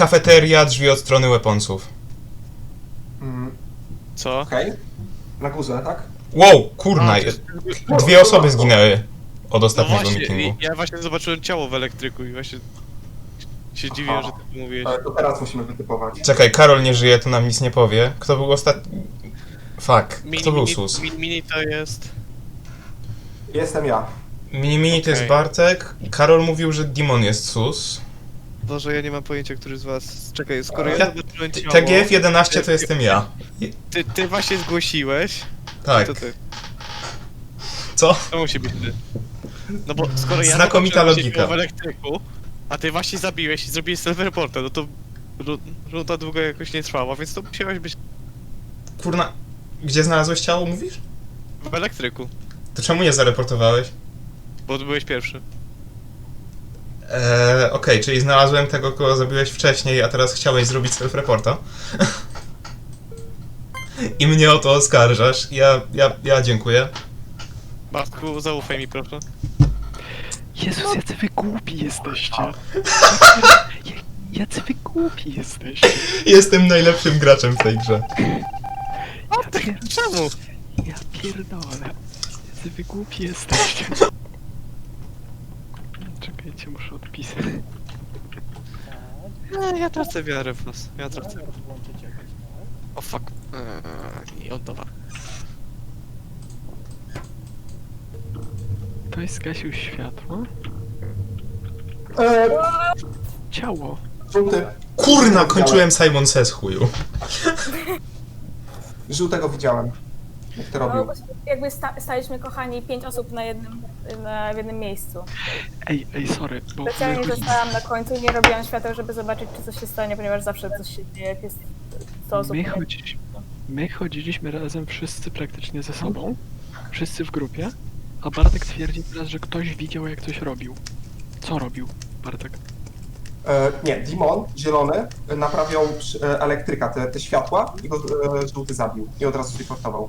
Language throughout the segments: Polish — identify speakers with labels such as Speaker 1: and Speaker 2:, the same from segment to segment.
Speaker 1: kafeteria, drzwi od strony weaponsów.
Speaker 2: Co?
Speaker 3: Okej. Na górze, tak?
Speaker 1: Wow, kurna, dwie osoby zginęły od
Speaker 2: No
Speaker 1: ostatniego
Speaker 2: właśnie,
Speaker 1: meetingu.
Speaker 2: ja właśnie zobaczyłem ciało w elektryku i właśnie się dziwiłem, że ty mówiłeś.
Speaker 3: To teraz musimy wytypować.
Speaker 1: Czekaj, Karol nie żyje, to nam nic nie powie. Kto był ostatni? Fuck, kto był sus?
Speaker 2: Mini to jest...
Speaker 3: Jestem ja.
Speaker 1: Mini to jest
Speaker 2: Okej.
Speaker 1: Bartek. Karol mówił, że Dimon jest sus.
Speaker 2: Boże, ja nie mam pojęcia, który z was... Czekaj, skoro ja
Speaker 1: Ja-
Speaker 2: zobaczyłem ciało...
Speaker 1: TGF11 to jestem ja.
Speaker 2: Ty właśnie zgłosiłeś?
Speaker 1: Tak.
Speaker 2: To ty.
Speaker 1: Co?
Speaker 2: To musi być ty. No bo skoro ja
Speaker 1: Znakomita
Speaker 2: zobaczyłem
Speaker 1: logika.
Speaker 2: ciało w elektryku, a ty właśnie zabiłeś i zrobiłeś self-reporta, no to... Runda długo jakoś nie trwała, więc to musiałeś być
Speaker 1: Kurna, gdzie znalazłeś ciało, mówisz?
Speaker 2: w elektryku,
Speaker 1: To czemu nie zareportowałeś?
Speaker 2: bo byłeś pierwszy.
Speaker 1: Okej, czyli znalazłem tego, kogo zabiłeś wcześniej, a teraz chciałeś zrobić self-reporta. I mnie o to oskarżasz. Ja dziękuję.
Speaker 2: Bartku, zaufaj mi proszę.
Speaker 4: Jezus, jacy wy głupi jesteście. Jacy wy głupi jesteście.
Speaker 1: Jestem najlepszym graczem w tej grze.
Speaker 2: Czemu?
Speaker 4: Ja pierdolę. Jacy wy głupi jesteście. Czekajcie, muszę odpisać.
Speaker 2: Ja tracę wiarę w nas, ja tracę. O fuck. I oddawa.
Speaker 4: Ktoś zgasił światło? Ciało.
Speaker 3: Żółty.
Speaker 1: Kurna, kończyłem Simon Says, chuju.
Speaker 3: Żółtego widziałem. Jak to robił.
Speaker 5: No, jakby staliśmy, kochani, 5 osób w jednym miejscu.
Speaker 4: Ej, sorry, bo
Speaker 5: Specjalnie
Speaker 4: my
Speaker 5: zostałam na końcu i nie robiłam świateł, żeby zobaczyć, czy coś się stanie, ponieważ zawsze coś się dzieje, jak jest 100 osób.
Speaker 4: my chodziliśmy razem wszyscy praktycznie ze sobą. Wszyscy w grupie. A Bartek twierdzi teraz, że ktoś widział, jak coś robił. Co robił, Bartek?
Speaker 3: Nie, Dimon, zielony, naprawiał elektryka, te światła i go żółty zabił. I od razu zreportował.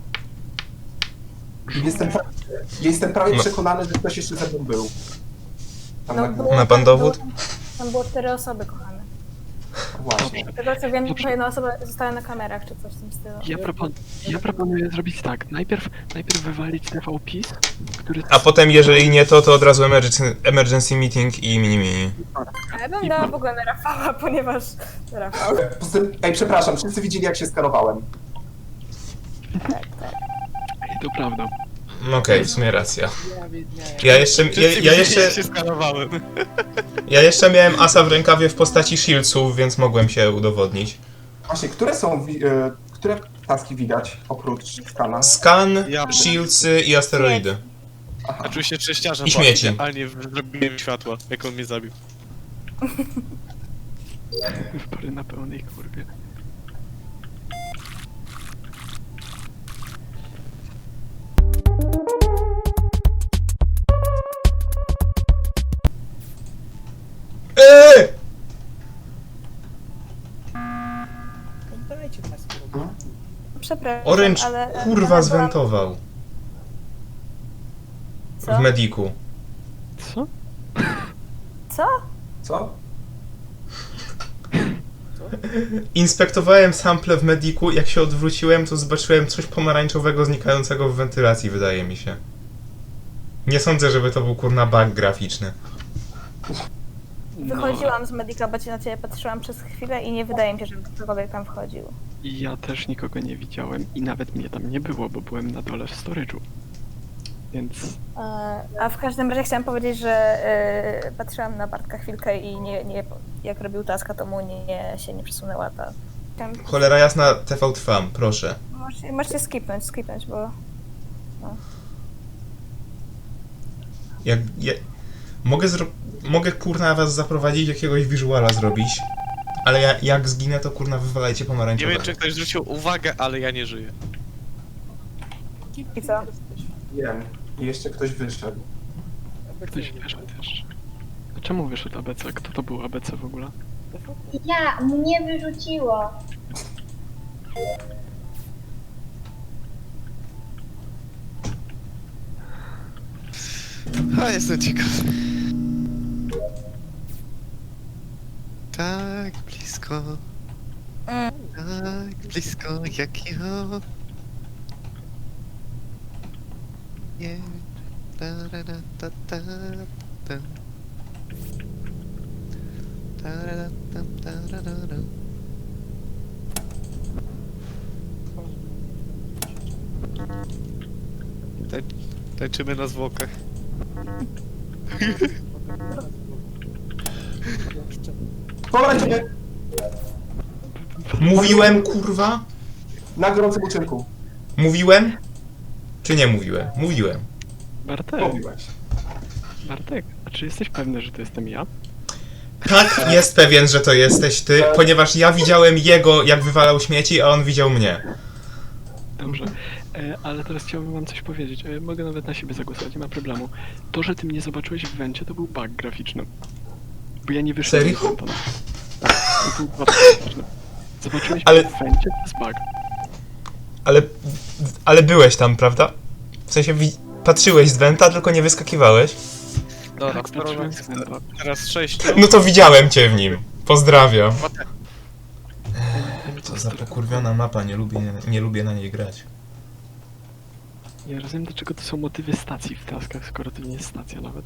Speaker 3: Jestem prawie
Speaker 1: No.
Speaker 3: przekonany, że ktoś jeszcze ze mną był. Tam na górze.
Speaker 1: Ma pan dowód?
Speaker 5: Tam było 4 osoby, kochane.
Speaker 3: Właśnie.
Speaker 5: Z tego co wiem,
Speaker 4: Dobrze.
Speaker 5: to jedna osoba została na kamerach, czy coś w tym stylu.
Speaker 4: Ja proponuję zrobić tak. Najpierw wywalić TVPiS, który...
Speaker 1: A potem, jeżeli nie to od razu emergency meeting i mini.
Speaker 5: A ja bym dała w ogóle na Rafała, ponieważ... Rafał.
Speaker 3: Poza tym, przepraszam, wszyscy widzieli jak się skanowałem.
Speaker 4: Ej, to prawda.
Speaker 1: Okej, w sumie racja. Ja
Speaker 2: się skanowałem.
Speaker 1: miałem asa w rękawie w postaci shieldsów, więc mogłem się udowodnić.
Speaker 3: Właśnie, które taski widać oprócz skana?
Speaker 1: Scan,
Speaker 2: Ja-
Speaker 1: shieldsy i asteroidy.
Speaker 3: Aha.
Speaker 2: Oczywiście szczęściarzem,
Speaker 1: I śmieci.
Speaker 2: ale nie zrobiłem światła, jak on mnie zabił.
Speaker 4: Wybory na pełnej kurwie.
Speaker 1: Eee!
Speaker 5: Przepraszam,
Speaker 1: Orange
Speaker 5: ale...
Speaker 1: kurwa zwentował
Speaker 5: Co?
Speaker 1: w mediku.
Speaker 4: Co?
Speaker 5: Co?
Speaker 3: Co?
Speaker 1: Inspektowałem sample w mediku, jak się odwróciłem, to zobaczyłem coś pomarańczowego znikającego w wentylacji, wydaje mi się. Nie sądzę, żeby to był kurna bug graficzny.
Speaker 5: Wychodziłam z Medika, bo na ciebie patrzyłam przez chwilę i nie wydaje mi się, żeby ktokolwiek tam wchodził.
Speaker 4: Ja też nikogo nie widziałem i nawet mnie tam nie było, bo byłem na dole w storage'u. Więc
Speaker 5: A w każdym razie chciałam powiedzieć, że patrzyłam na Bartka chwilkę i jak robił taska, to mu się nie przesunęła ta...
Speaker 1: Cholera jasna, TV trwam, proszę.
Speaker 5: Możecie skipnąć, bo...
Speaker 1: Mogę kurna was zaprowadzić, jakiegoś visuala zrobić, ale jak zginę, to kurna wywalajcie
Speaker 2: Nie
Speaker 1: pomarańczowe.
Speaker 2: wiem, czy ktoś zwrócił uwagę, ale ja nie żyję.
Speaker 5: I co?
Speaker 3: Wiem. I jeszcze ktoś wyszedł.
Speaker 4: ktoś wyszedł też. A czemu wyszedł ABC? Kto to był ABC w ogóle?
Speaker 6: Ja, mnie wyrzuciło.
Speaker 2: A, jestem ciekaw. Tak, blisko. blisko, tak blisko jak ja. Nie. Ta. Tarara. Tańczymy na zwłokach.
Speaker 3: Pomarańczowy
Speaker 1: Mówiłem, kurwa?
Speaker 3: na gorącym uczynku.
Speaker 1: Mówiłem? Czy nie mówiłem? Mówiłem.
Speaker 3: Mówiłeś.
Speaker 4: Bartek, a czy jesteś pewny, że to jestem ja?
Speaker 1: Tak, jest pewien, że to jesteś ty, ponieważ ja widziałem jego, jak wywalał śmieci, a on widział mnie.
Speaker 4: Dobrze, ale teraz chciałbym wam coś powiedzieć. Mogę nawet na siebie zagłosować, nie ma problemu. To, że ty mnie zobaczyłeś w wencie, to był bug graficzny. Bo ja nie wyszedłem
Speaker 1: Serio?
Speaker 4: z wenta. Tak, to był bug graficzny. Zobaczyłeś
Speaker 1: Ale-
Speaker 4: mnie w wencie, to jest bug.
Speaker 1: Ale byłeś tam, prawda? W sensie patrzyłeś z wenta, tylko nie wyskakiwałeś.
Speaker 2: Dobra,
Speaker 4: Tak, patrzyłem z wenta.
Speaker 2: teraz 6.
Speaker 1: No to widziałem cię w nim. Pozdrawiam. Co za pokurwiona mapa, nie lubię na niej grać.
Speaker 4: Ja rozumiem, dlaczego to są motywy stacji w taskach, skoro to nie jest stacja nawet.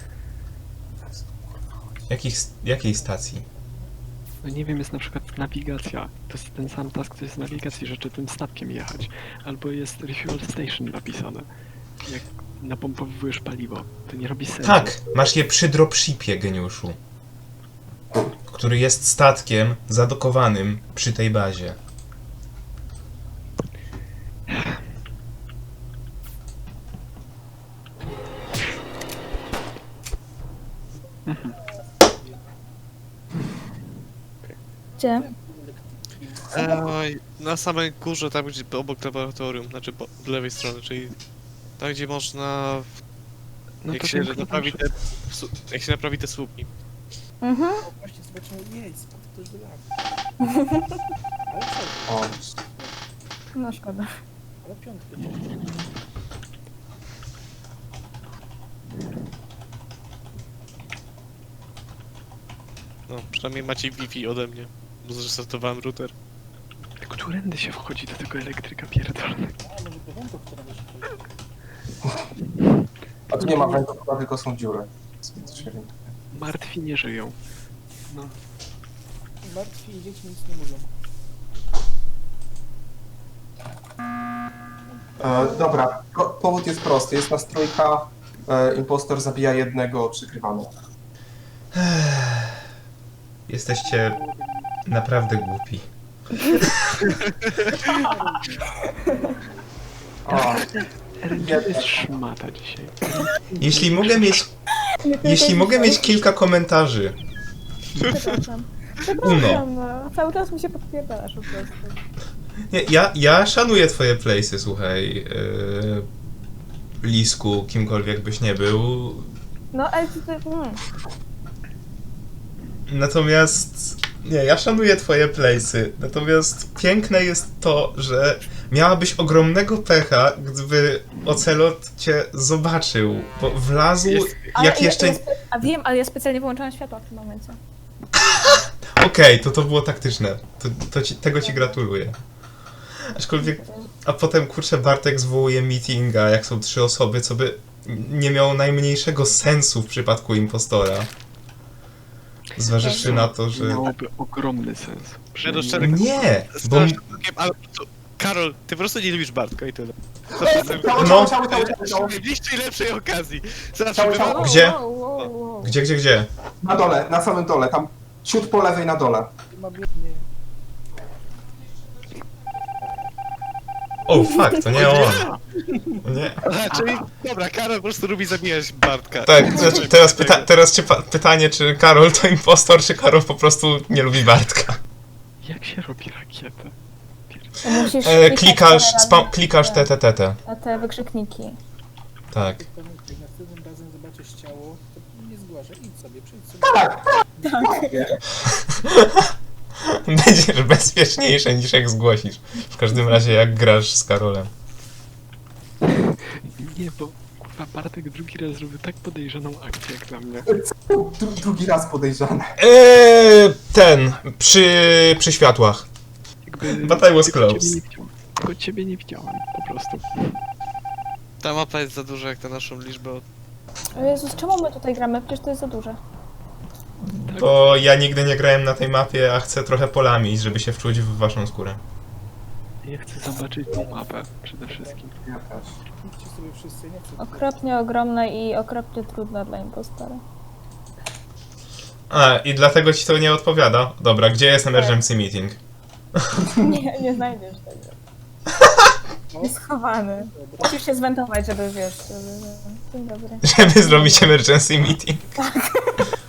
Speaker 1: Jakiej stacji?
Speaker 4: No nie wiem, jest na przykład nawigacja. To jest ten sam task, to jest nawigacji, że czy tym statkiem jechać. Albo jest refuel station napisane. Jak napompowujesz paliwo, to nie robi sensu.
Speaker 1: Tak, masz je przy dropshipie, geniuszu. Który jest statkiem zadokowanym przy tej bazie.
Speaker 5: Gdzie?
Speaker 2: Na samej górze, tam gdzie obok laboratorium, znaczy po lewej stronie, czyli tam gdzie można,
Speaker 4: No
Speaker 2: jak
Speaker 4: to
Speaker 2: się
Speaker 4: wiem,
Speaker 2: naprawi
Speaker 4: proszę.
Speaker 2: jak się naprawi te słupki.
Speaker 5: Mhm.
Speaker 7: Właśnie zobaczyłem, jej, spadł ktoś do lawy. Ale co?
Speaker 3: O,
Speaker 5: No szkoda.
Speaker 7: Ale piątkę.
Speaker 2: No, przynajmniej macie Wi-Fi ode mnie, bo zrestartowałem router.
Speaker 4: Którędy się wchodzi do tego elektryka pierdolnego?
Speaker 7: A, może do wędrów, która się chodzi.
Speaker 3: a tu nie ma węgla, tylko są dziury. To się orientuję.
Speaker 4: Martwi nie żyją. No.
Speaker 7: Martwi i dzieci nic nie mówią.
Speaker 3: Dobra, powód jest prosty. Jest nas trójka, impostor zabija jednego, przykrywamy.
Speaker 1: Jesteście naprawdę głupi.
Speaker 3: O,
Speaker 4: Eren, to jest szmata dzisiaj.
Speaker 1: Jeśli mogę mieć kilka komentarzy.
Speaker 5: Przepraszam. Przepraszam, no. Cały czas mi się podpierdalasz po prostu.
Speaker 1: Nie, ja szanuję twoje place'y, słuchaj. Lisku, kimkolwiek byś nie był.
Speaker 5: No, ale ty...
Speaker 1: Natomiast... Nie, ja szanuję twoje place'y. Natomiast piękne jest to, że miałabyś ogromnego pecha, gdyby Ocelot cię zobaczył, bo wlazł jak jeszcze...
Speaker 5: A wiem, ale ja specjalnie wyłączałam światła w tym momencie.
Speaker 1: Okej, to było taktyczne. Tego ci gratuluję. Aczkolwiek... A potem, kurczę, Bartek zwołuje meetinga, jak są 3 osoby, co by nie miało najmniejszego sensu w przypadku impostora. Zważywszy na to, że...
Speaker 4: Miałoby ogromny sens.
Speaker 2: do
Speaker 4: Przynajmniej-
Speaker 2: czterech-
Speaker 1: Nie! Bo...
Speaker 2: Strasznym krokiem, ale to, Karol, ty po prostu nie lubisz Bartka i tyle.
Speaker 3: Ciało.
Speaker 2: W najbliższej lepszej okazji. Zawsze
Speaker 3: Ciało,
Speaker 2: bywa...
Speaker 3: ciało.
Speaker 1: Gdzie?
Speaker 5: Wow.
Speaker 1: Gdzie?
Speaker 3: Na dole, na samym dole, tam ciut po lewej na dole.
Speaker 7: Ma biednie.
Speaker 1: O, fuck, to nie on. Nie.
Speaker 2: Aha, czyli, dobra, Karol po prostu lubi zabijać Bartka.
Speaker 1: Tak, znaczy, teraz pytanie, czy Karol to impostor, czy Karol po prostu nie lubi Bartka.
Speaker 4: Jak się robi rakietę?
Speaker 5: Musisz
Speaker 1: Klikasz TTT.
Speaker 5: na te wykrzykniki.
Speaker 1: Tak.
Speaker 7: Jak następnym razem zobaczysz ciało, to nie zgłaszaj. Idź sobie, przejdź sobie.
Speaker 1: Będziesz bezpieczniejsze niż jak zgłosisz. W każdym razie jak grasz z Karolem.
Speaker 4: Nie, bo Kurwa, Bartek drugi raz zrobił tak podejrzaną akcję jak na mnie.
Speaker 3: Drugi raz podejrzane.
Speaker 1: Przy światłach.
Speaker 4: Jakby...
Speaker 1: But I was
Speaker 4: tylko
Speaker 1: close.
Speaker 4: ciebie nie widziałem. Tylko ciebie nie widziałem, po prostu.
Speaker 2: Ta mapa jest za duża jak na naszą liczbę.
Speaker 5: O Jezus, czemu my tutaj gramy? Przecież to jest za duże.
Speaker 1: Bo ja nigdy nie grałem na tej mapie, a chcę trochę polamić, żeby się wczuć w waszą skórę.
Speaker 4: Ja chcę zobaczyć tą mapę przede wszystkim.
Speaker 3: Ja też.
Speaker 7: Idźcie sobie wszyscy, nie chcę.
Speaker 5: Okropnie ogromna i okropnie trudna dla impostora.
Speaker 1: A, i dlatego ci to nie odpowiada. Dobra, gdzie jest emergency meeting?
Speaker 5: Nie znajdziesz tego. Jest schowany.
Speaker 7: Dobra.
Speaker 5: Musisz się zwentować, żeby wiesz, żeby... Dzień dobry.
Speaker 1: Żeby zrobić emergency meeting.